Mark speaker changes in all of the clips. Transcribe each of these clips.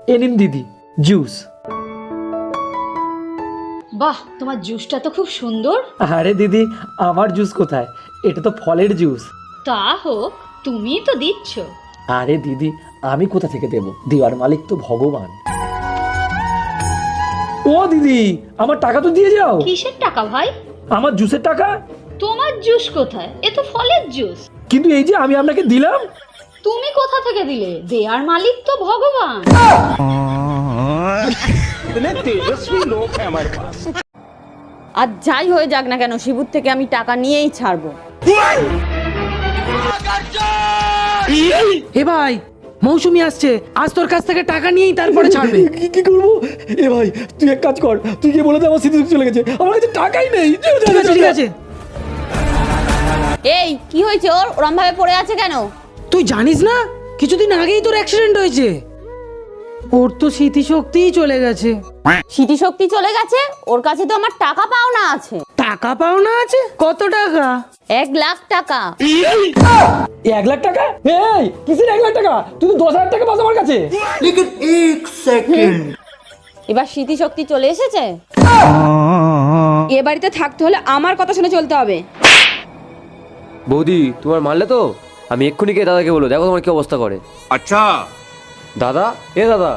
Speaker 1: এ নিন দিদি জুস।
Speaker 2: বাহ, তোমার জুসটা তো খুব সুন্দর।
Speaker 1: আরে দিদি, আমার জুস কোথায়, এটা তো ফলের জুস।
Speaker 2: তা হোক, তুমি তো দিচ্ছ।
Speaker 1: আরে দিদি, আমি কোথা থেকে দেব, দেওয়ার মালিক তো ভগবান। ও দিদি, আমার টাকা তো দিয়ে যাও।
Speaker 2: কিসের টাকা ভাই?
Speaker 1: আমার জুসের টাকা।
Speaker 2: তোমার জুস কোথায়? এ তো ফলের জুস।
Speaker 1: কিন্তু এই যে আমি আপনাকে দিলাম।
Speaker 2: তুমি কোথা থেকে দিলে? দেয়ার মালিক তো ভগবান।
Speaker 3: আর যাই হয়ে যাক না কেন, শিবুর থেকে আমি টাকা নিয়েই ছাড়বো।
Speaker 4: এ ভাই, মৌসুমি আসছে, আজ তোর কাছ থেকে টাকা নিয়েই তারপরে ছাড়বে।
Speaker 1: কি করবো? এ ভাই, তুই এক কাজ কর, তুই গিয়ে বলে দে আমার স্মৃতি চলে গেছে, আমার কাছে টাকাই নেই।
Speaker 4: ঠিক আছে ঠিক আছে।
Speaker 3: এই কি হয়েছে ওর? ওরম ভাবে পড়ে আছে কেন?
Speaker 4: তুই জানিস না, কিছুদিন আগেই তোর অ্যাক্সিডেন্ট হয়েছে। ওর তো স্মৃতিশক্তিই চলে গেছে।
Speaker 3: স্মৃতিশক্তি চলে গেছে? ওর কাছে তো আমার টাকা পাওনা আছে।
Speaker 4: টাকা পাওনা আছে? কত টাকা?
Speaker 3: 1,00,000 টাকা।
Speaker 1: 1,00,000 টাকা? এই কিসের 1,00,000 টাকা? তুই তো 10,000 টাকা পাস আমার কাছে।
Speaker 3: এবার স্মৃতিশক্তি চলে এসেছে।
Speaker 5: এ বাড়িতে থাকতে হলে আমার কথা শুনে চলতে হবে।
Speaker 6: বৌদি, তোমার মারলে তো? আমি এক্ষুনি গিয়ে দাদাকে বলো, দেখো তোমার কি অবস্থা করে।
Speaker 7: আচ্ছা
Speaker 6: দাদা, এ দাদা,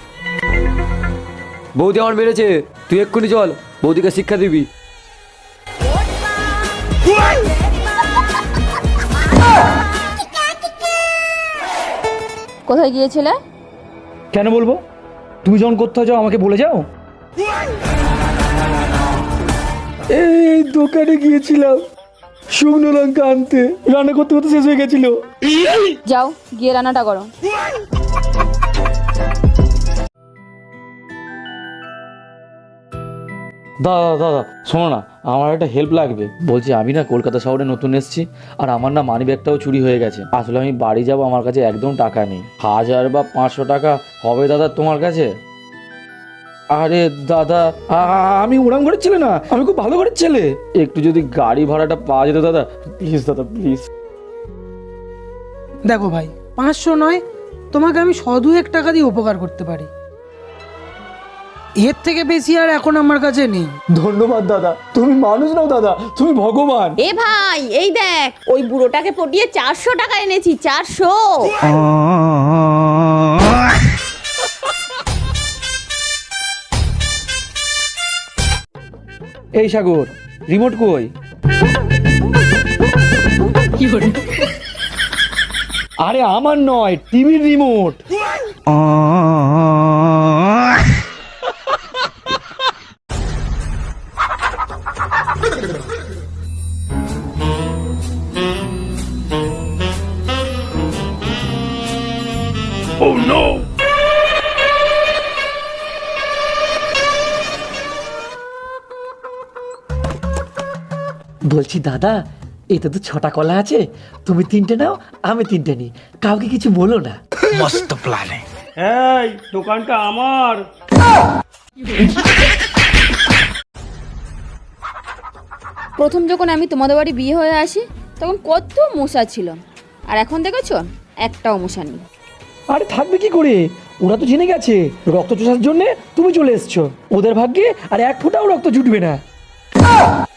Speaker 6: বৌদি আমার মেরেছে, তুই এক্ষুনি চল, বৌদিকে শিক্ষা দিবি।
Speaker 5: কোথায় গিয়েছিলে?
Speaker 1: কেন বলবো? তুমি যখন কোথাও যাও আমাকে বলে যাও। এই দোকানে গিয়েছিলাম শুকনো লঙ্কা আনতে, রান্না করতে করতে শেষ হয়ে গেছিল।
Speaker 5: যাও গিয়ে রান্নাটা করো।
Speaker 1: দাদা দাদা শোনো না, আমার একটা হেল্প লাগবে। বলছি আমি না কলকাতা শহরে নতুন এসেছি, আর আমার না মানি ব্যাগটাও চুরি হয়ে গেছে। আসলে আমি বাড়ি যাব, আমার কাছে একদম টাকা নেই। 1000 বা 500 টাকা হবে দাদা তোমার কাছে? আরে দাদা, আমি উড়ান ঘরের ছেলে না, আমি খুব ভালো ঘরের ছেলে। একটু যদি গাড়ি ভাড়াটা পাওয়া যেত দাদা, প্লিজ দাদা প্লিজ।
Speaker 4: দেখো ভাই, 500 নয়, তোমাকে আমি 100-2 টাকা দিয়ে উপকার করতে পারি। এর থেকে বেশি আর এখন আমার কাছে নেই।
Speaker 1: ধন্যবাদ দাদা, তুমি মানুষ নাও দাদা, তুমি ভগবান।
Speaker 3: এ ভাই, এই দেখ, ওই বুড়োটাকে পটিয়ে 400 টাকা এনেছি। 400।
Speaker 1: এই সাগর, রিমোট কই? আরে আমার নয়, টিভির রিমোট। বলছি দাদা, এতে তো 6টা কলা আছে, তুমি 3টে নাও, আমি 3টে নিই, কাউকে কিছু বলো না।
Speaker 8: এই দোকানটা আমার।
Speaker 5: প্রথম যখন আমি তোমাদের বাড়ি বিয়ে হয়ে আসি তখন কত মশা ছিল, আর এখন দেখেছো একটাও মশা নেই।
Speaker 1: আরে থাকবে কি করে, ওরা তো জেনে গেছে রক্ত চোষার জন্য তুমি চলে এসছো। ওদের ভাগ্যে আর 1 ফোঁটাও রক্ত জুটবে না।